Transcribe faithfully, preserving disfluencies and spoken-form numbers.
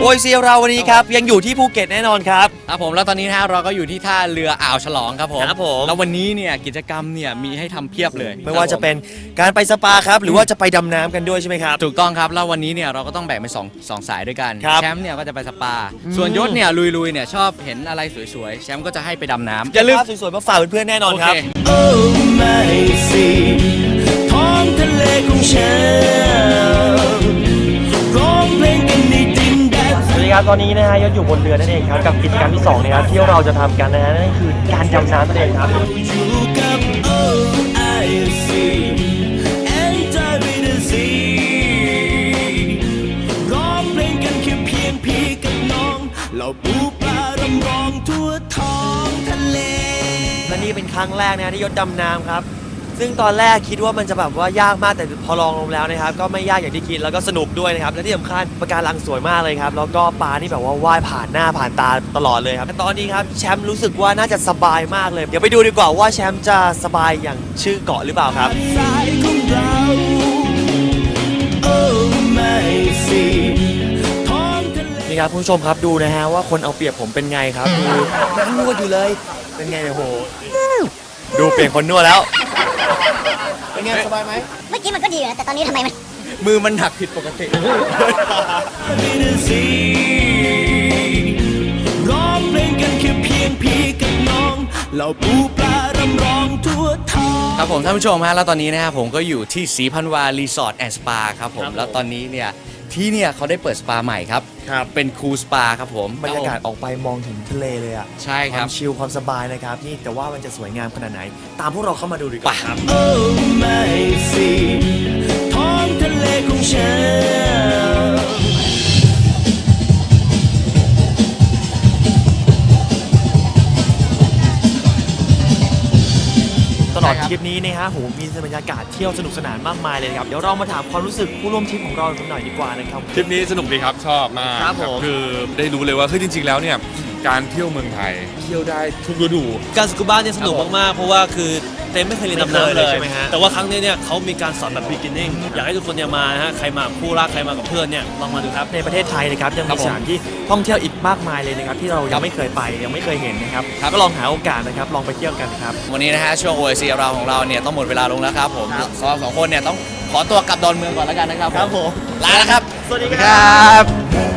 ยซีเราวันนี้ครับยังอยู่ที่ภูเก็ตแน่นอนครับครับผมแล้วตอนนี้นะฮะเราก็อยู่ที่ท่าเรืออ่าวฉลองครับผมครับผมแล้ววันนี้เนี่ยกิจกรรมเนี่ยมีให้ทำเพียบเลยไม่ว่าจะเป็นการไปสปาครับหรือว่าจะไปดำน้ำกันด้วยใช่ไหมครับถูกต้องครับแล้ววันนี้เนี่ยเราก็ต้องแบ่งเป็นสองสองสายด้วยกันแชมป์เนี่ยก็จะไปสปาส่วนยศเนี่ยลุยๆเนี่ยชอบเห็นอะไรสวยๆแชมป์ก็จะให้ไปดำน้ำอย่าลืมภาพสวยๆมาฝากเพื่อนๆแน่นอนครับโอ้ไม่สิท้องทะเลของฉันร้องเพลงกันในดินแดนสวัสดีครับตอนนี้นะฮะยศอยู่บนเรือนั่นเองครับกับกิจกรรมที่สองนะครับที่เราจะทำกันนะฮะนั่นคือการดำน้ำนั่นเองครับอยู่กับ โอ้ ไอ ซี Enjoy with the sea ร้องเพลงกันแค่เพียงพี่กับน้องเราปูปลารำร้องทั่วท้องทะเลและนี่เป็นครั้งแรกนะที่ยศดำน้ำครับซึ่งตอนแรกคิดว่ามันจะแบบว่ายากมากแต่พอลองลงแล้วนะครับก็ไม่ยากอย่างที่คิดแล้วก็สนุกด้วยนะครับและที่สำคัญปะการังสวยมากเลยครับแล้วก็ปลานี่แบบว่าว่ายผ่านหน้าผ่านตาตลอดเลยครับตอนนี้ครับแชมป์รู้สึกว่าน่าจะสบายมากเลยเดี๋ยวไปดูดีกว่าว่าแชมป์จะสบายอย่างชื่อเกาะหรือเปล่าครับสายของเราโอ้ไม่สิท้องทะเลนี่ครับผู้ชมครับดูนะฮะว่าคนเอาเปรียบผมเป็นไงครับดูนั่งนวดอยู่เลยเป็นไงเนี่ยโหดูเปลี่ยนคนนวดแล้วเป็นไงสบายไหมเมื่อกี้มันก็ดีนะแต่ตอนนี้ทำไมมันมือมันหนักผิดปกติร้องเพลงกันแค่เพียงพี่กับน้องเราปูปลารำร้องทั่วท้องครับผมท่านผู้ชมฮะแล้วตอนนี้นะฮะผมก็อยู่ที่ศรีพันวารีสอร์ทแอนด์สปาครับผมแล้วตอนนี้เนี่ยที่เนี่ยเขาได้เปิดสปาใหม่ครับครับเป็นคูลสปาครับผมบรรยากาศออกไปมองถึงทะเลเลยอ่ะใช่ครับความชิลความสบายนะครับนี่แต่ว่ามันจะสวยงามขนาดไหนตามพวกเราเข้ามาดูดีกว่าครับโอ้ไม่สิท้องทะเลของฉันตลอดทริปนี้นะฮะโหมีบรรยากาศเที่ยวสนุกสนานมากมายเลยครับเดี๋ยวเรามาถามความรู้สึกผู้ร่วมทริปของเรากันหน่อยดีกว่านะครับทริปนี้สนุกดีครับชอบมากครับผมคือได้รู้เลยว่าคือจริงๆแล้วเนี่ยการเที่ยวเมืองไทยเที่ยวได้ทุกฤดูการสกูบ้าเนี่ยสนุกมากๆเพราะว่าคือเต้ไม่เคยเรียนดำน้ำเลยใช่ไหมฮะแต่ว่าครั้งนี้เนี่ยเขามีการสอนแบบ beginning อยากให้ทุกคนเนี่ยมาฮะใครมาคู่รักใครมากับเพื่อนเนี่ยลองมาดูครับในประเทศไทยนะครับยังมีสถานที่ท่องเที่ยวอีกมากมายเลยนะครับที่เรายังไม่เคยไปยังไม่เคยเห็นนะครับก็ลองหาโอกาสนะครับลองไปเที่ยวกันครับวันนี้นะฮะช่วง โอ เอ ซี เราของเราเนี่ยต้องหมดเวลาลงแล้วครับผมสองสองคนเนี่ยต้องขอตัวกลับดอนเมืองก่อนแล้วกันนะครับครับผมลาแล้วครับสวัสดีครับ